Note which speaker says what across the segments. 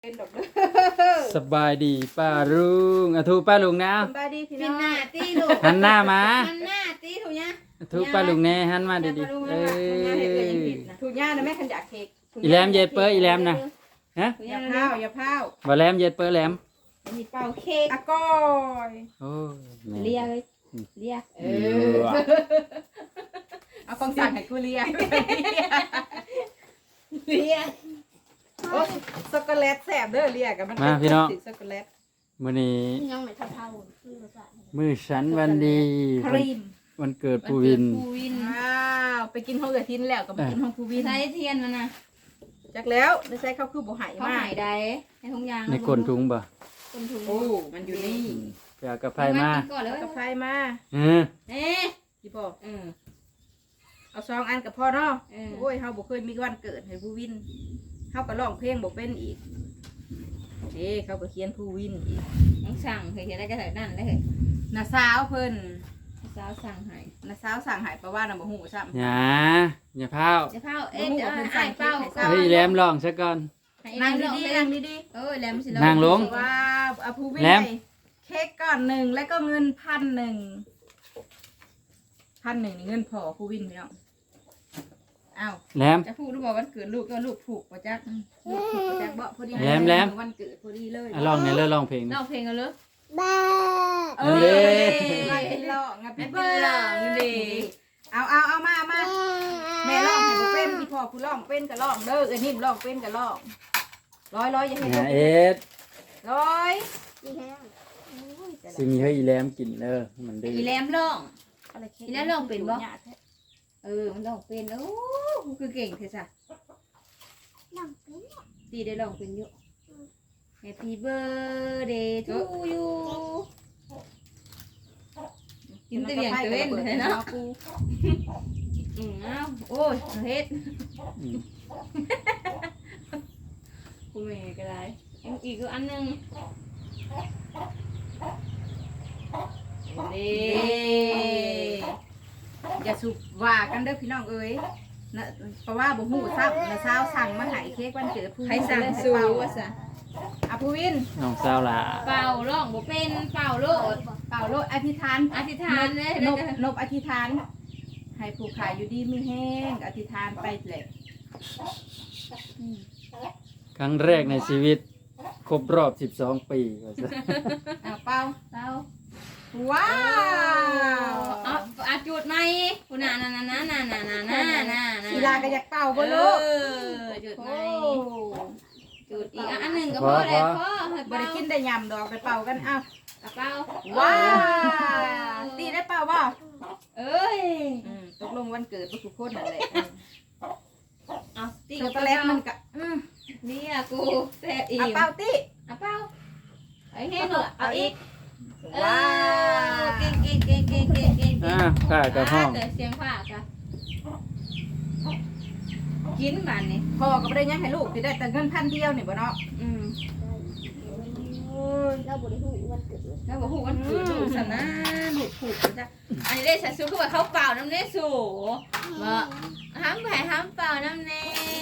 Speaker 1: เป็นดอกเด้อ
Speaker 2: สบายดีป้าลุงอะทูป้าลุงนะ
Speaker 1: สบายดีพี่
Speaker 3: เป็
Speaker 1: น้
Speaker 3: น
Speaker 1: อง
Speaker 3: หน้าตีลูก
Speaker 2: หันหน้ามา
Speaker 3: มันหน้าตีถูกยัง
Speaker 2: อะทูป้าลุงแน่หันมาดีๆเอ้
Speaker 1: ถูกย่านะแม่ขันอยากเค้ก
Speaker 2: อีแหลมเย็ดเปิ้ลอีแหลมนะฮะ
Speaker 1: อย่าพาวอย่าพาว
Speaker 2: บ่แหลมเย็ดเปิ้ลแหลม
Speaker 3: มีเป่าเค้ก
Speaker 1: อะก้อย
Speaker 2: โอ้แม่
Speaker 3: เลียเลยเลีย
Speaker 1: เอากองสั่งให้กูเลีย
Speaker 3: เลีย
Speaker 1: โอ้ช็อกโกแลตแซ่บเด้อเลียกับมันติดช็อกโกแลต
Speaker 2: มื้อนี้
Speaker 3: ยังไม่เท่าคือภาษา
Speaker 2: มื้อฉันวันดี
Speaker 1: ครีม
Speaker 2: วันเกิดปูวิน
Speaker 3: ปูวิน
Speaker 1: ว้าวไปกินห้องเอือทินแล้วก็ไปกินห้องภูวิน
Speaker 3: ใช้เทียนมันนะ
Speaker 1: จักแล้วได้ใช้ข้าวคือบ่หาย
Speaker 3: เขา
Speaker 1: มา
Speaker 3: หาก ยใดในทุ่งยาง
Speaker 2: ในก้นถุงบ่
Speaker 3: คนถุง
Speaker 1: โอ้มันอยู่นี่
Speaker 2: ไปเอากระไฟมา
Speaker 3: ก่อนเลย
Speaker 1: กาแฟมา
Speaker 2: เออ
Speaker 3: เอ๊ะ
Speaker 1: พี่พ่อ
Speaker 3: เออ
Speaker 1: เอา2อันกับพ่อเนาะ
Speaker 3: เออ
Speaker 1: โอ้ยเฮาบ่เคยมีวันเกิดให้ภูวินเฮาก็ร้องเพลงบ่เป็นอีกเด้เขาก็เขียนภูวินอีก
Speaker 3: ต้องสั่งเคยเห็นได้ก็ใส่นั่นเลย
Speaker 1: น้าสาวเพิ่น
Speaker 3: สาวสั่งให้
Speaker 1: น้าสาวสั่งใหายปลาว่าน่ะบ่ฮู้ซ้ำ
Speaker 2: อย่าพาว
Speaker 3: จะเผาเอ๊ะจะให้เป้า
Speaker 2: เฮ้ยแหลมลองซะก่อน
Speaker 1: นั่งดีๆนั่งดี
Speaker 3: เออแหลมสิ
Speaker 2: นั่งลง
Speaker 1: ๆว้าวเอาภูวิน
Speaker 2: แหลม
Speaker 1: ให้เค้กก้อนหนึ่งแล้วก็เงิน1,000นี่เงินพอภูวินพี่น้องอ้าว
Speaker 2: แหลม
Speaker 1: จะพูดหรือบอกวันเกิดลูกก็ลูกผูกบ่จักลูกผูกบ่จักบ่พอดี
Speaker 2: แหลมแหลม
Speaker 1: วันเกิดพอดีเลย
Speaker 2: อ่ะลองเนี่ยเลยลองเพลง
Speaker 3: ร้องเพลงกันเลย
Speaker 1: เอ
Speaker 2: เด้
Speaker 1: ไม่เป็นร้องอ่ะ
Speaker 3: เป็
Speaker 1: เป็น น
Speaker 3: เบ
Speaker 1: เบ
Speaker 3: อ
Speaker 1: อ
Speaker 3: ร์
Speaker 1: ร์
Speaker 3: ดี
Speaker 1: เอามาแม่ร้องให้บ่เป็นพี่พ่อผู้ร้องเป็นก็ร้องเด้อเอ้ยนิ่มร้องเป็นก็ร้องร้อยอย่าเฮ็ด
Speaker 2: อย่า
Speaker 1: บ่
Speaker 2: เอ็ด
Speaker 1: ร้อย
Speaker 2: สิมีให้อีแหลมกินเด้อมันดื้อ
Speaker 3: อีแหลมร้อง
Speaker 1: อะไรเค้ก
Speaker 3: อีแล้วร้องเป็นบ่ เออมันร้องเป็นโอ้คือเก่งเทซ่ะดีได้ร้องเป็นอยู่ Happy birthday to you กินแตะเลียงตะเว้นเลยเนาะอ้าวโอ้ยเฮ็ด
Speaker 2: อืม
Speaker 3: กูแม่ก็ได้อีกอันนึงนี่
Speaker 1: อย่าสุบว่ากันเด้อพี่น้องเอ้ยนะเพราะว่าบ่ฮู้ซ้ำนะสาวสั่งมาให้เค้กวันเกิดผู้
Speaker 3: ใครสั่งสู้ว่าซะ
Speaker 1: อ่ะผู้วิน
Speaker 2: น้องสาวหล่ะ
Speaker 3: เป่าร้องบ่เป็นเป่าโลด
Speaker 1: เป่าโลดอธิษฐาน
Speaker 3: อธิษฐานเลย
Speaker 1: นบอธิษฐาน ให้ผู้ขายอยู่ดีมีแห้งอธิษฐานไปแหละ
Speaker 2: ครั้งแรกในชีวิต ครบรอบ 12 ปีว่าซะ
Speaker 1: อ่ะเป่า
Speaker 3: เป่า
Speaker 1: ว้าว
Speaker 3: เอาจุดไหมคุณน่ะ
Speaker 1: ศิลาก็อยากเป่าบ่ลูก
Speaker 3: จุดไหม
Speaker 1: โอ้
Speaker 3: จุดอีกอันหนึ่งก็พอแล้วพอให้
Speaker 1: บ่ได้กินได้ยำดอกไปเป่ากันเอ้า
Speaker 3: เป่า
Speaker 1: ว้าวตีได้เป่าบ่
Speaker 3: เอ้ย
Speaker 1: ตกลงวันเกิดบ่ทุกคนนั่นแหละ
Speaker 3: เอาตี
Speaker 1: ช็อกโกแลตมันก็
Speaker 3: นี่อะกูแซ่บอีก
Speaker 1: เอาเป่าติ
Speaker 3: เอาเป่าไอ้แห้งเหรอเอาอีก
Speaker 1: ว้าว
Speaker 3: เก่ง
Speaker 2: ข้ากับห้อง
Speaker 3: เสียงผ้าค่ะกินมันนี่
Speaker 1: พ่อก็บ่ได้ยังให้ลูกสิได้แต่เงิน1,000เดียวนี่บ่เนาะ
Speaker 3: เราบอกหูวันเกิดลูกสนะลูกผูกจ้ะอันนี้ได้สัตว์สู้คือว่าเขาเปล่าน้ำเน่สูบ่ห้ามแผ่ห้ามเปล่าน้ำเน่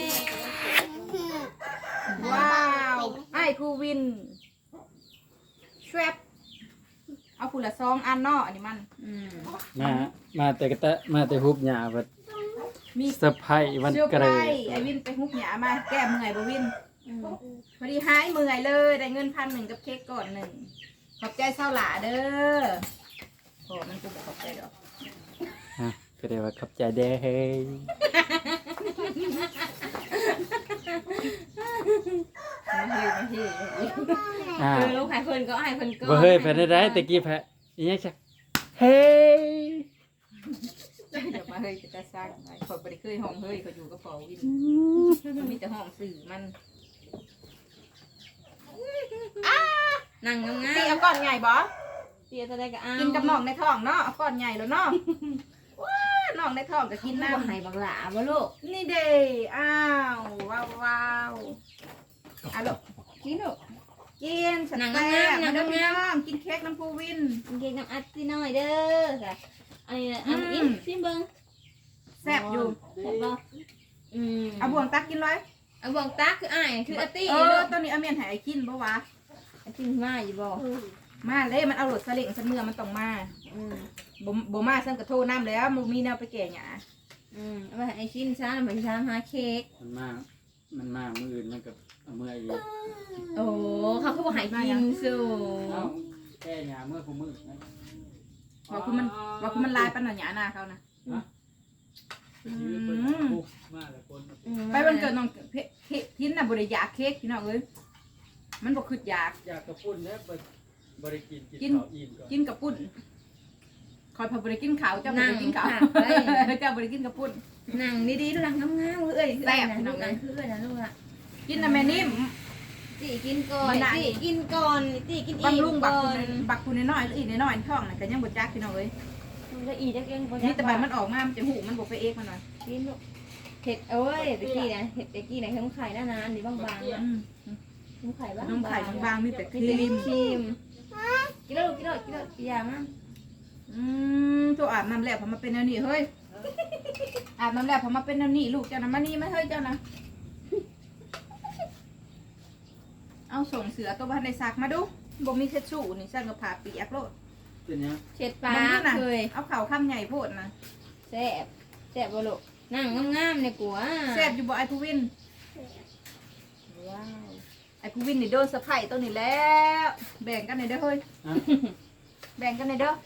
Speaker 1: ว้าวไอ้ภูวินแชวบเอาผู้ละ2อันเนาะอันนี้มัน
Speaker 2: มาแต่กะตะมาแต่ฮุบหญ้าบัด
Speaker 1: มี
Speaker 2: เซอร์ไพรส์วัน
Speaker 1: เสื้อ
Speaker 2: เกิ
Speaker 1: ไผ่
Speaker 2: ด
Speaker 1: ไอ้วินไปฮุบหยามาแก้เมื่อยบ่วินพอดีหายเมื่อยเลยได้เงิน1,000กับเค้กก่อน1ขอบใจเศร้าหลาเด้อโอ้มันกูบอกขอบใจดอก
Speaker 2: ฮะก็ได้ว่าขอบใจเด้อเฮ้ย
Speaker 1: มาเฮ้ย
Speaker 2: อ่า
Speaker 3: ลูกหายคนก็หายคนก็
Speaker 2: บ่เฮ้ยไปได้ตะกี้แพ้อีหยังจักเฮ้ย
Speaker 1: เดี๋ยวมาเฮ้ยจะสร้างไปขอยบ่ได้เคยห้องเฮ้ยเขาอยู่กับพอวินมันมีแต่ห้องสื่อมัน
Speaker 3: นั่งงาม
Speaker 1: ตีเอาก้อนใหญ่บ่
Speaker 3: เตี้ยจะได้ก็เอา
Speaker 1: กินกับน้องในท้องเนาะเอาก้อนใหญ่แล้วเนาะว้าน้องในท้องก็กิน
Speaker 3: น้ำ
Speaker 1: น้ำ
Speaker 3: หายบักหลาบ่ลูก
Speaker 1: นี่เด้อ้าวว้าวเอาลูกกินลูกกินสัตว์แซ่บมาเด้อพี่น้องกินเค้กน้ำปูวิน
Speaker 3: เก่งน้ำอัดสิหน่อยเด้อค่ะอันนี้อันอีกซิมเบิ้ง
Speaker 1: แซ่บอยู่
Speaker 3: แซ่บบ่
Speaker 1: เอาบ่วงตักกินเลย
Speaker 3: เอาบ่งตาคืออ้ายคืออาตี้
Speaker 1: ตอนนี้อาเมียนหายกินบ่วะ
Speaker 3: อาตี้มาอยู่บ่
Speaker 1: มาเลยมันเอารถสลิงสันเมื่อมันต้องมาบ่มาซั่นก็โทรน้ำแล้วมันมีแนวไปแก่หยา
Speaker 3: เอาไปไอ้ชิ้นซ่าเหมือนซ่าหาเค้ก
Speaker 2: มันมากมืออื่นมันกับเอาเมื่ออีก
Speaker 3: โอ้เขาคือบ่ให้กินสู่
Speaker 2: เอาแก้หยาเมื่อกูมือนะ
Speaker 1: ว่าคุณมันลายปันหน่อยหยาหน้าเขานะ
Speaker 2: มาแล้วคน
Speaker 1: ไปวันเกิดน้องพินน่ะบ่ได้อยากเค้กพี่น้องเอ้ยมันบ่คืออยาก
Speaker 2: อยากกระปุ่นแล้วบริกินข้าวอิ่มก่อน
Speaker 1: กินกับปุ้นคอยพาบ่ได้กินข้าวเจ้าบ่ได้กินข้าวเจ้าบ่ได้กินกับปุ้น
Speaker 3: นั่งดีๆดูหลังงามๆเอ้ยนะลูกนะคือนะลูกอะ
Speaker 1: กินน่ะแม่นิ่ม
Speaker 3: ตีกินก่อนตีกินก่อนตีกินอีก
Speaker 1: บำรุงบั
Speaker 3: ก่
Speaker 1: ก
Speaker 3: อน
Speaker 1: บักคุณน้อยอีกน้อยท้องน่ะก็ยังบ่จักพี่น้องเอ้ย
Speaker 3: มันก็อีกจักเองบ่
Speaker 1: นี่แต่บัดมันออกมามันจะหูมันบ่ไปเอกมันหน่อย
Speaker 3: กินลูกเห็ดเอ้ยตะกี้นะเห็ดตะกี้นะเห็ดไข่หน้านานนี่บางๆนะเห็ดไข่บ้าง
Speaker 1: น้องไข่บางๆมีแต่ค
Speaker 3: มี
Speaker 1: รี
Speaker 3: แต่
Speaker 1: ม
Speaker 3: ครีมกินแล้วกินยามั้ง
Speaker 1: ตัวอาบน้ำแล้วพอมาเป็นแนวนี้เฮ้ยอาบน้ำแล้วพอมาเป็นแนวนี้ลูกเจ้านะมานี่มาเฮ้ยเจ้านะเอาส่งเสือตัวบ้านในซักมาดูบ่มีเช็ดชู่นี่สั่งกับผ้าเปียกโลด
Speaker 2: เป็นยัง
Speaker 3: เช็ดปลาเคย
Speaker 1: เอาเข่าข้ามใหญ่โพดนะ
Speaker 3: แซ่บบ่ลูกนั่งงามๆในกัว
Speaker 1: แซ่บอยู่บ่ไอภูวิน
Speaker 3: ว้าว
Speaker 1: ไอภูวินนี่โดนสะไพร่ตัวนี้แล้วแบ่งกันหน่อยเด้อเฮ้ยแบ่งกันหน่อยเด้อ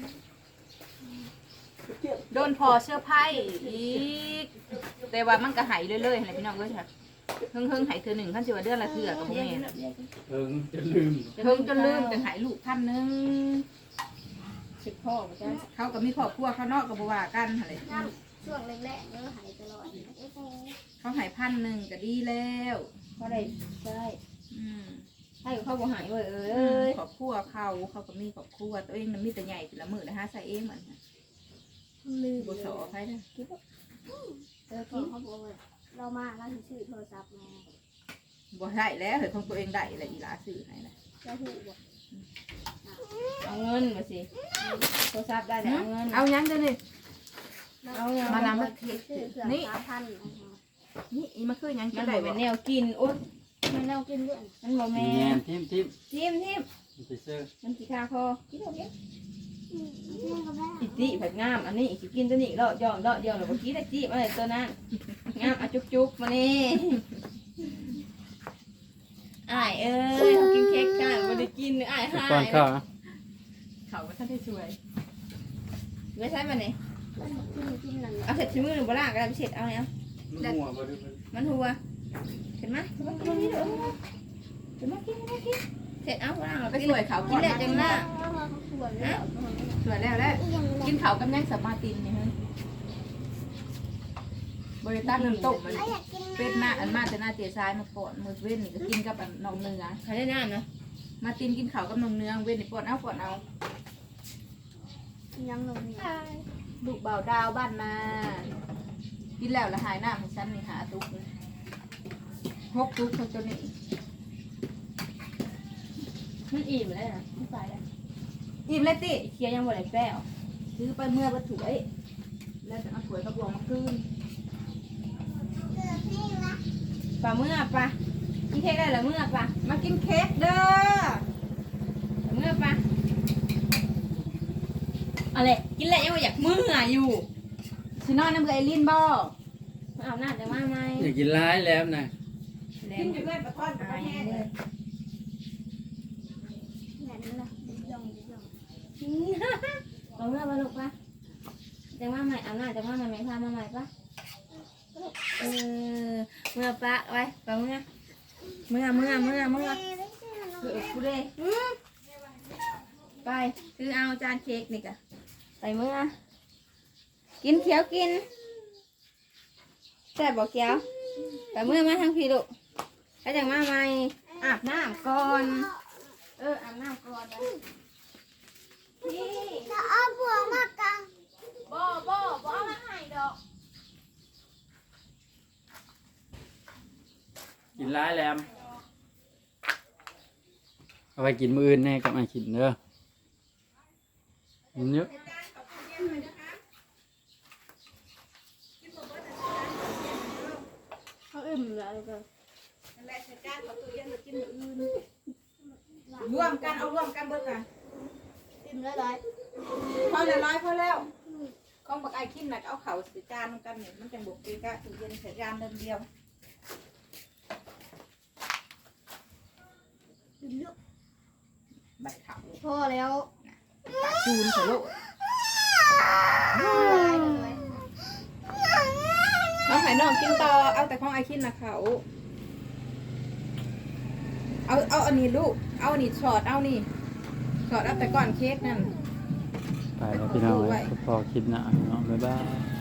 Speaker 1: โดนพอเสื้อไพ่อีกแต่ว่ามันก็หายเรื่อยๆอะไรพี่น้องก็ค่ะเฮิงหายเธอหนึ่งขั้นสิว่าเดือนละเถื่อกับพวกแม่
Speaker 2: จะลืม
Speaker 1: เฮิงจนลืมจนหายลูก1,000
Speaker 3: สิบพ่อมาจ้า
Speaker 1: เขาก็มีครอบครัวเขานอกกับบัวากันอะไร
Speaker 4: ช่วงแรกๆเนื้อหายตลอด
Speaker 1: เขาหาย1,000ก็ดีแล้ว
Speaker 3: เพราะอะไรใช่
Speaker 1: อืม
Speaker 3: ให้เขาบ่หายเว้ยเอ้ย
Speaker 1: ครอบครัวเขาก็มีครอบครัวตัวเองมันมีแต่ใหญ่แต่ละมือนะฮะใส่เองเหมือนกัน
Speaker 4: ลืม
Speaker 1: บุษอไปนะ
Speaker 4: เขาบอกว่าเรามาเราถือโทรศัพท์มา
Speaker 1: บ่ได้แล้วเห็นของตัวเองได้อะไรอีหลาสื่อไหนนะ
Speaker 4: จะหูบอก
Speaker 3: เอาเงินมาสิโทรศัพท์ได้แล้วเอาเงิน
Speaker 1: เอายังเด้อนี่
Speaker 3: เอาเงิน
Speaker 1: มา
Speaker 3: มา
Speaker 1: ลำ
Speaker 3: ลำ
Speaker 1: มา
Speaker 4: ถือเผื่อ3,000
Speaker 1: นี่อีมาคือยัง
Speaker 3: มั
Speaker 1: จะ
Speaker 3: น
Speaker 1: ได้
Speaker 3: บ่
Speaker 1: บ่
Speaker 3: เป็นแนวกินอุ๊ย
Speaker 4: มันเรากินด้วย
Speaker 3: มันบ่
Speaker 2: มี
Speaker 3: แม่
Speaker 2: แงนทิม
Speaker 3: ทิม
Speaker 2: ไปเสื้อ
Speaker 3: มันสิคาคอกินเอาเด้
Speaker 4: นี่ก็ได้
Speaker 3: อีติผัดงามอันนี้สิกินตัวนี้เลาะย่องเลาะเดียวแล้วบ่กินได้จิมาเลยตัวนั้นงามอ่ะจุกๆมานี่อ้ายเอ้ยกินเค้กกันบ่ได้กินอ้ายหาย
Speaker 2: ก่อนข้าวนะ
Speaker 1: เขาก็ท่านได้ช่วย
Speaker 3: ไม่ใช่มันนี่
Speaker 4: กินนั่น
Speaker 3: เอาเสร็จชิ้นมือหรือบ่ล่ะก็ได้เสร็จเอาเนี่ย
Speaker 2: มันหัวบ่ดู
Speaker 3: มันหัวเห็นไหมเห็นไหมกินนี่เด้อเห็นไหมกินเสร็จเอาบ่ล่ะ
Speaker 1: ไปช่วยเขา
Speaker 3: กิ
Speaker 1: ก่อน น
Speaker 3: แล้วจังล่ะ
Speaker 4: ส่วนแล้ว
Speaker 1: ช่วยแล้วกินเขาวกับยังสมาตินนี่เฮ้ยบริตั้งน้ำต้มมันเป็ดหน้าอันมาแต่หน้าเจ๊ซ้ายมาปอดมือเว้นนี่ก็กินกับอันนองเนื้อ
Speaker 3: ใครได้น้ำนะ
Speaker 1: มาตินกินข้าวกับนมเนื้อเว้นนี่ปอดเอา
Speaker 4: ยังลงนี่
Speaker 1: ลูกเบาดาวบ้านนากินแล้วละหายหน้าของฉันนี่หาตุกเลย6 ตุกเขาตัวนี้
Speaker 3: มันอิ่มแล้วนะไม่ไปแล้ว
Speaker 1: อิ่มเลยติ
Speaker 3: เคี้ยวยังบ่ได้แป้ว
Speaker 1: ซื้อไปเมื่อวัตถุไอ้แล้วจะเอาถ้วยกระบวงมาคืน
Speaker 3: ปลาเมื่อปลากินเค้กได้หรือเมื่อปลา
Speaker 1: มากินเค้กเด้อ
Speaker 3: เมื่อปลาอะไรกินแล้วยังบ่อยากเมื่ออยู่
Speaker 1: สินอนน้ำเกลือไอลินบ่
Speaker 3: มาเอาหน้าจะมาไหม
Speaker 2: อยากกินร้ายแล้วนะ
Speaker 3: แล้ว
Speaker 1: กินอยู่เพื่อนปลาทอดปลาแห้งเลย
Speaker 4: นั่นนะย่อง
Speaker 3: เอาเมื่อมาลูกปะจะมาใหม่เอาหน้าจะมาใหม่ไหมพามาใหม่ปะเออเมื่อปะไว้ปะเมื่อกูเลยไปคือเอาจานเค้กนี่กะไปเมื่อกินเขียวกินแซ่บบอกเขียวไปเมื่อมาทางพี่ลูกไปจากมาใหม่อาบน้ำก่อนอาบน้ำก่อนนะพี่
Speaker 4: จะเอาบัวมากัง
Speaker 3: บ่เอามาให้ดอก
Speaker 2: กินร้ายแล้วเอาไปกินมื้ออื่นแน่กับมากินเด้อมันเยอะ
Speaker 4: เขาเอื้อิ่มแล้วก็
Speaker 1: นั่นแหละใส่จานเอาตู้เย็นมากินมื้ออื่นรวมกันเอารวมกันเบิดค่ะ
Speaker 4: อิ่มแล้วร้อย
Speaker 1: พอแล้วร้อยพอแล้วของบักไอคิมน่ะเอาเข่าใส่จานกันนี่มันจังบ่เกะกะตู้เย็นใส่จานเดียว
Speaker 4: อิ่มเยอะ
Speaker 1: ใบเข่า
Speaker 4: พอแล้ว
Speaker 1: ปากจูนใส่โลก
Speaker 4: ร้อยเลย
Speaker 1: เอาไข่นอกกินต่อเอาแต่ของไอคิมน่ะเขาเอาอันนี้ลูกเอาอันนี้ช็อตเอานี่ช็อตเอาแต่ก่อนเค้กนั่น
Speaker 2: ไปแล้วพี่น้องเอ้ยพอคลิปหน้าพี่น้องบ๊ายบาย